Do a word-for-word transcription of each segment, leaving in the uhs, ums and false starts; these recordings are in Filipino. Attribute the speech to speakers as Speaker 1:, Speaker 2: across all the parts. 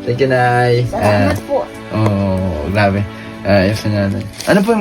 Speaker 1: Thank you, Nay.
Speaker 2: Salamat po.
Speaker 1: Oo, oh, grabe. Ayos na natin. Ano po yung...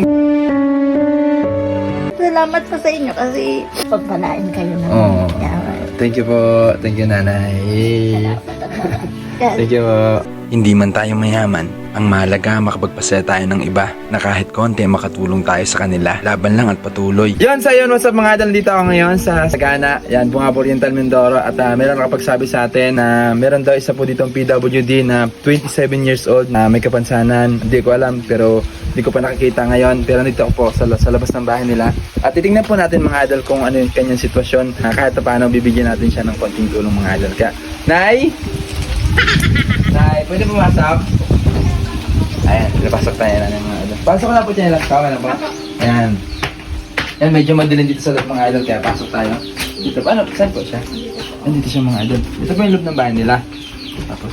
Speaker 2: Salamat po sa inyo kasi pagpalain kayo ng
Speaker 1: Oo.
Speaker 2: yaman.
Speaker 1: Thank you po. Thank you, Nanay. Thank you po.
Speaker 3: Hindi man tayo mayaman, ang mahalaga makapagpasaya tayo ng iba na kahit konti makatulong tayo sa kanila. Laban lang at patuloy.
Speaker 1: Yun, sa yun, what's up mga idol, dito ako ngayon sa Sagana. Yan, Bungabo Oriental Mindoro. At uh, meron nakapagsabi sa atin na meron daw isa po ditong P W D na twenty-seven years old na may kapansanan. Hindi ko alam, pero hindi ko pa nakikita ngayon. Pero nandito ako po sa, sa labas ng bahay nila. At titingnan po natin mga idol kung ano yung kanyang sitwasyon. Uh, kahit paano bibigyan natin siya ng konting tulong mga idol. Kaya, Nay! Nay, pwede pumasok? Ayan, pinapasok tayo na ng mga idol. Pasok na po siya lang. Kama na po. Ayan. Ayan, medyo madilim dito sa loob mga idol. Kaya pasok tayo. Dito pa, ano? Saan po siya? Ayan, dito siya mga idol. Ito po yung loob ng bahay nila. Tapos,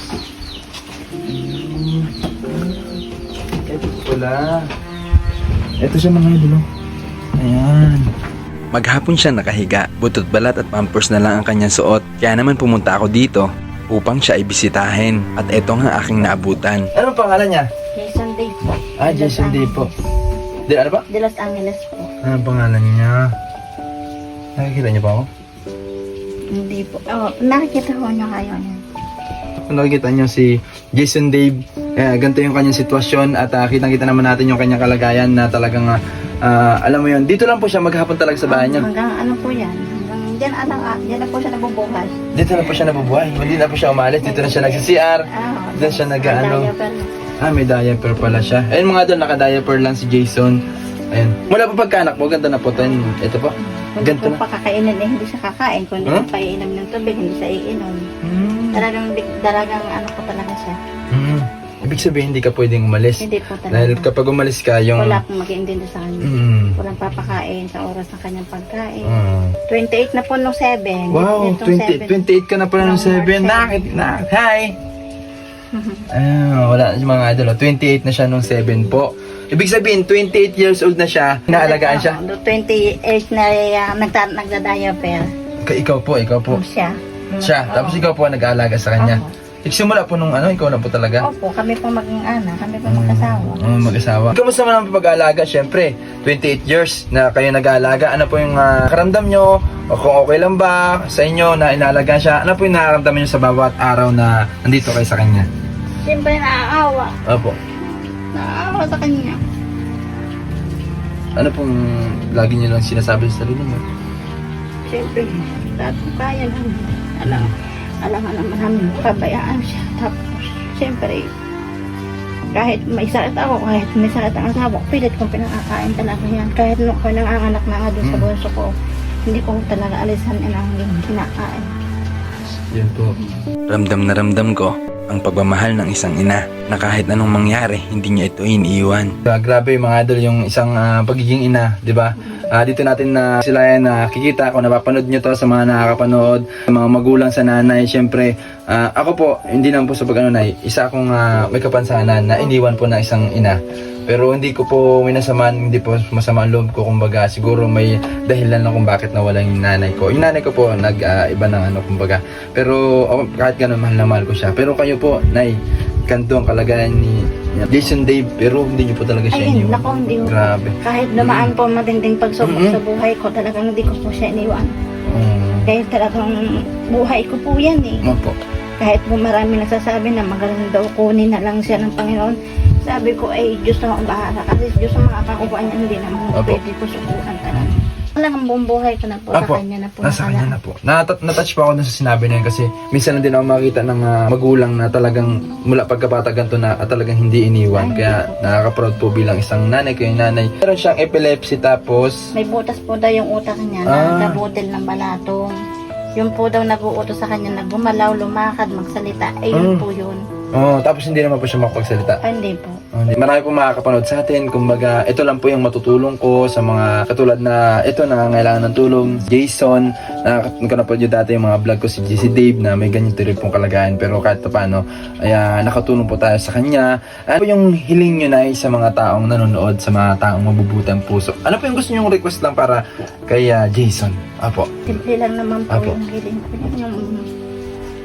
Speaker 1: mm, ito pala. Ito siya mga idol. Ayan.
Speaker 3: Maghapon siya nakahiga, butot balat at pampers na lang ang kanyang suot. Kaya naman pumunta ako dito upang siya ibisitahin. At eto nga aking naabutan.
Speaker 1: Ano ang pangalan niya?
Speaker 2: Jason Day po.
Speaker 1: Ah,
Speaker 2: De Los
Speaker 1: Jason Day po.
Speaker 2: Angeles.
Speaker 1: Di, ano ba?
Speaker 2: De Los Angeles po.
Speaker 1: Ano ang pangalan niya? Nakikita niyo pa ako?
Speaker 2: Hindi po. Oh, nakikita ko nyo kayo yan.
Speaker 1: Kung nakikita nyo si Jason Dave, eh, ganito yung kanyang sitwasyon at uh, kitang-kita naman natin yung kanyang kalagayan na talagang, uh, uh, alam mo yun, dito lang po siya maghapon talaga sa bahay niya.
Speaker 2: Hanggang ano po yan. Hanggang dyan, ano, ah, dyan na po siya nabubuhay.
Speaker 1: Dito na po siya nabubuhay, hindi na po siya umalis, dito na siya nagsi-C R,
Speaker 2: Ah,
Speaker 1: dito siya nag-ano.
Speaker 2: diaper.
Speaker 1: Ah, may diaper pala siya. Ayun mga doon, naka-diaper lang si Jason. Ayun. Mula po pagkaanak mo, ganda na po ito. Ito po.
Speaker 2: Kung
Speaker 1: Ganito
Speaker 2: po
Speaker 1: na.
Speaker 2: pakakainin eh, hindi siya kakain. Kung hindi
Speaker 1: Huh?
Speaker 2: huh? paiinom ng tubig, hindi siya iinom.
Speaker 1: Hmm.
Speaker 2: Talagang, talagang ano po talaga siya.
Speaker 1: Hmm. Ibig sabihin, hindi ka pwedeng umalis.
Speaker 2: Hindi po talaga.
Speaker 1: Dahil kapag umalis ka, yung...
Speaker 2: Wala akong mag-iintindi sa kanya.
Speaker 1: Hmm.
Speaker 2: Walang papakain sa oras ng kanyang pagkain.
Speaker 1: Hmm.
Speaker 2: twenty-eight na po nung seven.
Speaker 1: Wow,
Speaker 2: Itong
Speaker 1: twenty,
Speaker 2: seven.
Speaker 1: twenty-eight ka na pala ng
Speaker 2: Ng
Speaker 1: seven.
Speaker 2: March
Speaker 1: Nakit, na, hi! Ah, wala na si mga idol. oh. twenty-eight na siya nung seven po. Ibig sabihin, twenty-eight years old na siya. Inaalagaan siya.
Speaker 2: Oo, twenty-eight na uh, nagta nagda-diaper.
Speaker 1: Ka- Ikaw po, ikaw po.
Speaker 2: Po. Siya.
Speaker 1: Siya.
Speaker 2: Oo.
Speaker 1: Tapos ikaw po ang nag-aalaga sa kanya.
Speaker 2: Oo.
Speaker 1: Nagsimula po nung ano, ikaw na po talaga.
Speaker 2: Opo, kami po mag-ana, kami po magkasawa.
Speaker 1: Oo, mag-asawa. Kamusta man ang pag-aalaga? Siyempre, twenty-eight years na kayo nag-aalaga. Ano po yung uh, karamdam nyo? O kung okay lang ba sa inyo na inaalagaan siya? Ano po yung nakaramdam nyo sa bawat araw na nandito kayo sa kanya?
Speaker 2: Siyempre naaawa.
Speaker 1: Opo.
Speaker 2: Naaawa sa kanya.
Speaker 1: Ano pong lagi niyo lang sinasabi sa sarili niyo?
Speaker 2: Siyempre, lahat po kaya lang. Alam, alam nga naman namin, pabayaan siya. Tapos, siyempre, kahit may sakit ako, kahit may sakit ang asawa ko, pilit kong pinakakain talaga yan. Kahit nung ako nanganganak na nga doon sa
Speaker 1: Mm.
Speaker 2: bunso ko, hindi ko talaga alisan ang kinakain.
Speaker 1: Yun po.
Speaker 3: Ramdam na ramdam ko ang pagmamahal ng isang ina na kahit anong mangyari, hindi niya ito iniiwan.
Speaker 1: Uh, grabe mga idol yung isang ah, pagiging ina, di ba? Ah, dito natin na sila yan nakikita kung napapanood nyo to sa mga nakakapanood, sa mga magulang sa nanay. Siyempre, ah, ako po, hindi lang po sa pag-ano nay, isa akong ah, may kapansanan na iniwan po ng isang ina. Pero hindi ko po minasaman, hindi po masama ang loob ko, kumbaga siguro may dahilan lang kung bakit nawala yung nanay ko. Yung nanay ko po nag-iba ng ano, kumbaga. Pero ako, kahit gano'n, mahal na mahal ko siya. Pero kayo po, nay, ganito ang kalagayan ni Jason Dave, pero hindi niyo po talaga siya
Speaker 2: Ayun,
Speaker 1: iniwan.
Speaker 2: nako, hindi ko.
Speaker 1: Grabe.
Speaker 2: Kahit dumaan po matinding pagsubok
Speaker 1: Mm-mm.
Speaker 2: sa buhay ko, talagang hindi ko po siya iniwan.
Speaker 1: Um,
Speaker 2: Dahil talagang buhay ko po yan eh.
Speaker 1: ano po?
Speaker 2: Kahit po marami nagsasabi na magaling daw kunin na lang siya ng Panginoon. Sabi ko ay Diyos na ang bahala. Kasi Diyos ang makakakuha niya, hindi naman
Speaker 1: Opo.
Speaker 2: pwede ko subukan talaga. Talagang buong buhay ko na po sa
Speaker 1: Apo,
Speaker 2: kanya na po.
Speaker 1: nasa
Speaker 2: nakala-
Speaker 1: kanya na po. Nat- natouch pa ako dun sa sinabi na yun kasi minsan lang din ako makita ng ah, magulang na talagang mula pagkabata ganito na at talagang hindi iniwan.
Speaker 2: Ay,
Speaker 1: Kaya nakaka-proud po bilang isang nanay ko yung nanay. Meron siyang epilepsy tapos
Speaker 2: May butas po daw yung utak niya na
Speaker 1: Ah.
Speaker 2: nabutil ng balatong. Yun po daw nag-uutos sa kanya, naggumalaw, lumakad, magsalita. Eh yun
Speaker 1: Mm.
Speaker 2: po yun.
Speaker 1: oh, tapos hindi naman po siya makapagsalita.
Speaker 2: Ah, hindi po.
Speaker 1: Oh, hindi. Marami po makakapanood sa atin. Kumbaga, ito lang po yung matutulong ko sa mga katulad na ito nangangailangan ng tulong. Jason, nakapanood nyo dati yung mga vlog ko si, si Dave na may ganyan rin pong kalagayan. Pero kahit pa paano, ay, ah, nakatulong po tayo sa kanya. Ano po yung hiling nyo na sa mga taong nanonood, sa mga taong mabubutang puso? Ano po yung gusto nyo request lang para kay ah, Jason? Apo.
Speaker 2: Simple lang naman po
Speaker 1: Apo.
Speaker 2: yung hiling ko. Yung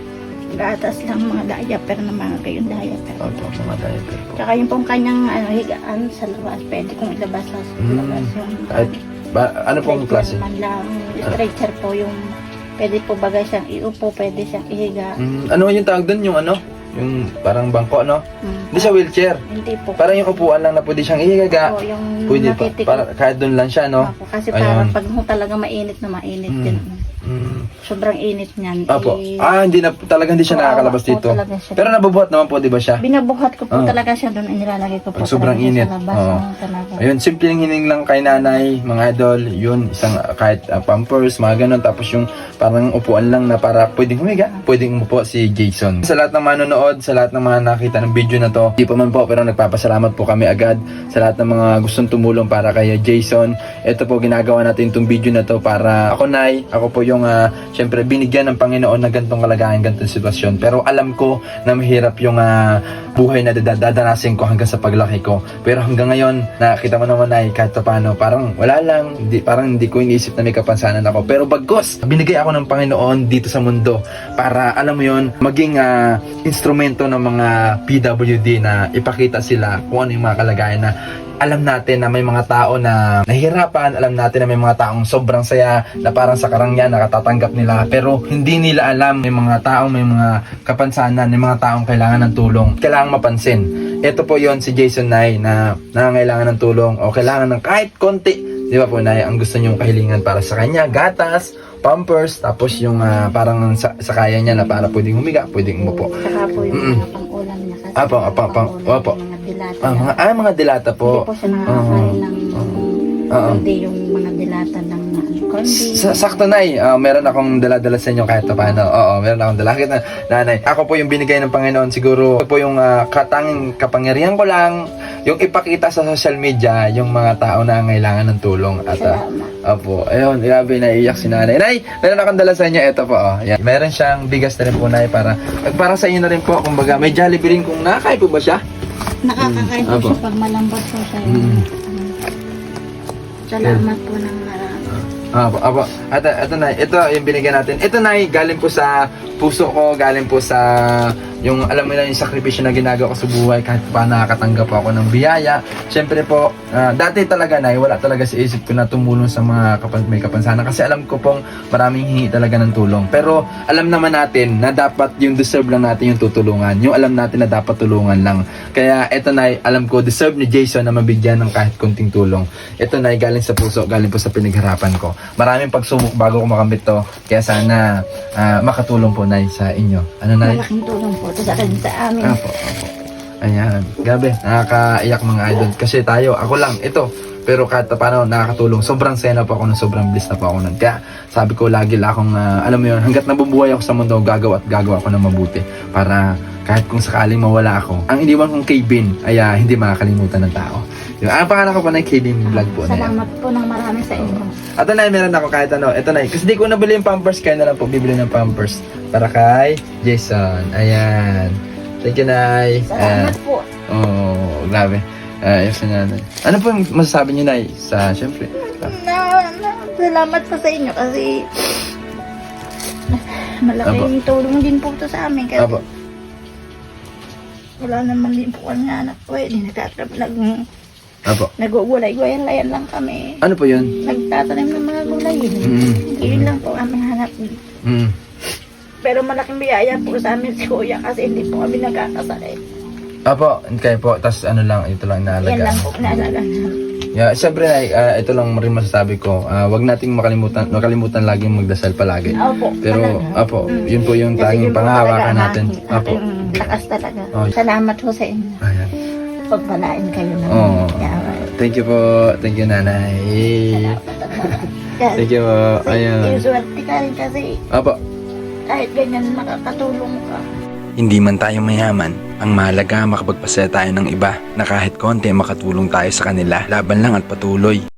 Speaker 2: gatas lang, mga diaper na mga kayong diaper.
Speaker 1: Opo, mga diaper po.
Speaker 2: Tsaka yung pong kanyang ano, higaan sa labas, pwede kong ilabas sa
Speaker 1: Mm.
Speaker 2: labas yung
Speaker 1: Kahit, ba, ano pong klase?
Speaker 2: Man lang, stretcher po yung pwede po bagay siyang iupo, pwede siyang ihiga.
Speaker 1: Mm, ano yung tawag doon? Yung ano? Yung parang bangko, no?
Speaker 2: Mm.
Speaker 1: Hindi siya wheelchair.
Speaker 2: Hindi po.
Speaker 1: Parang yung upuan lang na pwede siyang ihiga.
Speaker 2: Po, yung
Speaker 1: Pwede pa,
Speaker 2: natitik-
Speaker 1: para, kahit doon lang siya, no?
Speaker 2: Opo, kasi
Speaker 1: Ayun.
Speaker 2: parang pag mo talaga mainit na mainit
Speaker 1: Mm.
Speaker 2: din.
Speaker 1: Mm.
Speaker 2: Sobrang init niyan.
Speaker 1: Opo.
Speaker 2: Eh,
Speaker 1: Ah, hindi na, talaga hindi siya
Speaker 2: Oo,
Speaker 1: nakakalabas
Speaker 2: oo,
Speaker 1: dito.
Speaker 2: talaga siya.
Speaker 1: Pero nabubuhat naman po, di ba siya?
Speaker 2: Binabuhat ko po
Speaker 1: Ah.
Speaker 2: talaga siya doon. Inilalagay ko po
Speaker 1: Pag sobrang
Speaker 2: talaga siya
Speaker 1: init.
Speaker 2: sa labas.
Speaker 1: Oo.
Speaker 2: Oo, talaga.
Speaker 1: Ayun, simpleng hining lang kay nanay, mga idol, yun, isang uh, kahit uh, pampers, mga ganun, tapos yung parang upuan lang na para pwedeng humiga, pwedeng umupo si Jason. Sa lahat ng manonood, sa lahat ng mga nakita ng video na to, di pa man po, pero nagpapasalamat po kami agad sa lahat ng mga gustong tumulong para kay Jason. Ito po, ginagawa natin itong video na to para ako, nay, ako po yung, uh, syempre, binigyan ng Panginoon na gantong kalagayan, gantong sitwasyon. Pero alam ko na mahirap yung uh, buhay na dadanasin ko hanggang sa paglaki ko. Pero hanggang ngayon, nakita mo naman ay kahit pa paano, parang wala lang, hindi, parang hindi ko iniisip na may kapansanan ako. Pero bagkos, binigay ako ng Panginoon dito sa mundo para, alam mo yon, maging uh, instrumento ng mga P W D na ipakita sila kung ano yung mga kalagayan na alam natin na may mga tao na nahihirapan, alam natin na may mga taong sobrang saya na parang sa karangyan nakatatanggap nila, pero hindi nila alam may mga taong may mga kapansanan, may mga taong kailangan ng tulong, kailangan mapansin. Ito po yon si Jason, Nay, na nangangailangan ng tulong o kailangan ng kahit konti, di ba po, Nay, ang gusto niyong kahilingan para sa kanya, gatas, pampers, tapos yung ah, parang sa, sa kaya niya na para pwedeng humiga, pwedeng umupo.
Speaker 2: Saka po yung
Speaker 1: Mm-mm.
Speaker 2: mga pang-ulam niya. Kasi
Speaker 1: Apo,
Speaker 2: yung
Speaker 1: apo, apo,
Speaker 2: pang-ulam,
Speaker 1: apo.
Speaker 2: yung mga dilata
Speaker 1: Ah,
Speaker 2: niya.
Speaker 1: mga, ah, mga dilata po.
Speaker 2: Hindi po siya nakakain ng
Speaker 1: Oo.
Speaker 2: hindi yung mga dilata ng ano, corned beef.
Speaker 1: Sa, sakto, Nay, ah, meron akong dala-dala sa inyo kahit pa paano. Oo, meron akong dala. Kahit na, nanay, ako po yung binigay ng Panginoon siguro. Ako po yung ah, katanging kapangyarihan ko lang, yung ipakita sa social media yung mga tao na ngailangan ng tulong. At ah,
Speaker 2: Salamat.
Speaker 1: Opo, ayun, grabe, naiiyak si nanay. Nay, meron akong dala sa inyo, ito po, oh. Yan. Meron siyang bigas na rin po, Nay, para, para sa inyo na rin po, kumbaga, may Jollibee rin kung nakakain po ba siya?
Speaker 2: Nakakakain
Speaker 1: Mm,
Speaker 2: po
Speaker 1: apo.
Speaker 2: siya pag malambot po siya.
Speaker 1: Mm.
Speaker 2: Salamat po ng marami.
Speaker 1: Apo, apo. At ito, Nay, ito yung binigyan natin. Ito, Nay, galing po sa puso ko, galing po sa yung alam mo na yung sakripisyo na ginagawa ko sa buhay kahit pa nakakatanggap ako ng biyaya. Siyempre po, ah, dati talaga, Nay, wala talaga sa isip ko na tumulong sa mga kapan may kapansanan kasi alam ko pong maraming hingi talaga ng tulong. Pero alam naman natin na dapat yung deserve lang natin yung tutulungan. Yung alam natin na dapat tulungan lang. Kaya ito, Nay, alam ko deserve ni Jason na mabigyan ng kahit konting tulong. Ito, Nay, galing sa puso, galing po sa pinagharapan ko. Maraming pagsubok bago ko makamit to. Kaya sana ah, makatulong po, Nay, sa inyo. Ano, Nay?
Speaker 2: Malaking tulong po ito sa akin sa amin.
Speaker 1: Apo, apo. Ayan. Gabi, nakakaiyak mga idol. Kasi tayo, ako lang, ito. Pero kahit pa paano, nakakatulong. Sobrang saya na po ako nun, sobrang bliss na po ako nun. Kaya sabi ko, lagi lang akong, ah, alam mo yun, hanggat nabubuhay ako sa mundo, gagawa at gagawa ako ng mabuti. Para kahit kung sakaling mawala ako, ang iniwan kong K-Bin ay ah, hindi makakalimutan ng tao. Yung, ang pangalan ko po na K-Bin vlog po na yan.
Speaker 2: Salamat po ng marami sa inyo.
Speaker 1: At ito, Nay, meron ako kahit ano. Ito, Nay, kasi di ko nabili yung pampers, kaya na lang po bibili ng pampers para kay Jason. Ayan. Thank you, Nay.
Speaker 2: Salamat
Speaker 1: Ayan.
Speaker 2: po.
Speaker 1: Oh, grabe. Uh, yes, Nanay. Ano po yung masasabi niyo, Nay? Sa, syempre.
Speaker 2: Na, na, salamat po sa inyo kasi malaking tulong din po ito sa amin kasi
Speaker 1: Apo.
Speaker 2: wala naman din po kami anak ko eh. Nagtatrap, nag,
Speaker 1: Apo.
Speaker 2: nagugulay-gulayan layan lang kami.
Speaker 1: Ano po yun?
Speaker 2: Nagtatanim ng mga gulay.
Speaker 1: Mm.
Speaker 2: Yun lang po kami hanap.
Speaker 1: Mm.
Speaker 2: Pero malaking biyaya po sa amin si Kuya kasi hindi po kami nagkakasakit.
Speaker 1: Apo, kayo po. Tapos ano lang, ito lang
Speaker 2: Yan
Speaker 1: naalaga.
Speaker 2: lang po naalaga namin.
Speaker 1: Yeah, syempre, Nay, ah, ito lang rin masasabi ko. Ah, wag nating makalimutan, makalimutan laging magdasal palagi.
Speaker 2: Opo.
Speaker 1: Pero,
Speaker 2: talaga.
Speaker 1: apo,
Speaker 2: Mm.
Speaker 1: yun po yung
Speaker 2: Kasi
Speaker 1: tanging
Speaker 2: yun po
Speaker 1: panghahawakan
Speaker 2: talaga ang
Speaker 1: natin.
Speaker 2: aking-
Speaker 1: Apo.
Speaker 2: aking lakas talaga.
Speaker 1: Oh.
Speaker 2: Salamat po sa inyo.
Speaker 1: Ayan.
Speaker 2: Pagpalain kayo ng
Speaker 1: Oo.
Speaker 2: yaman.
Speaker 1: Thank you po. Thank you, Nanay. Thank you po. Ayan.
Speaker 2: Yung swerte ka rin kasi
Speaker 1: Apo.
Speaker 2: kahit ganyan makakatulong ka.
Speaker 3: Hindi man tayo mayaman, ang mahalaga makapagpasaya tayo ng iba na kahit konti makatulong tayo sa kanila. Laban lang at patuloy.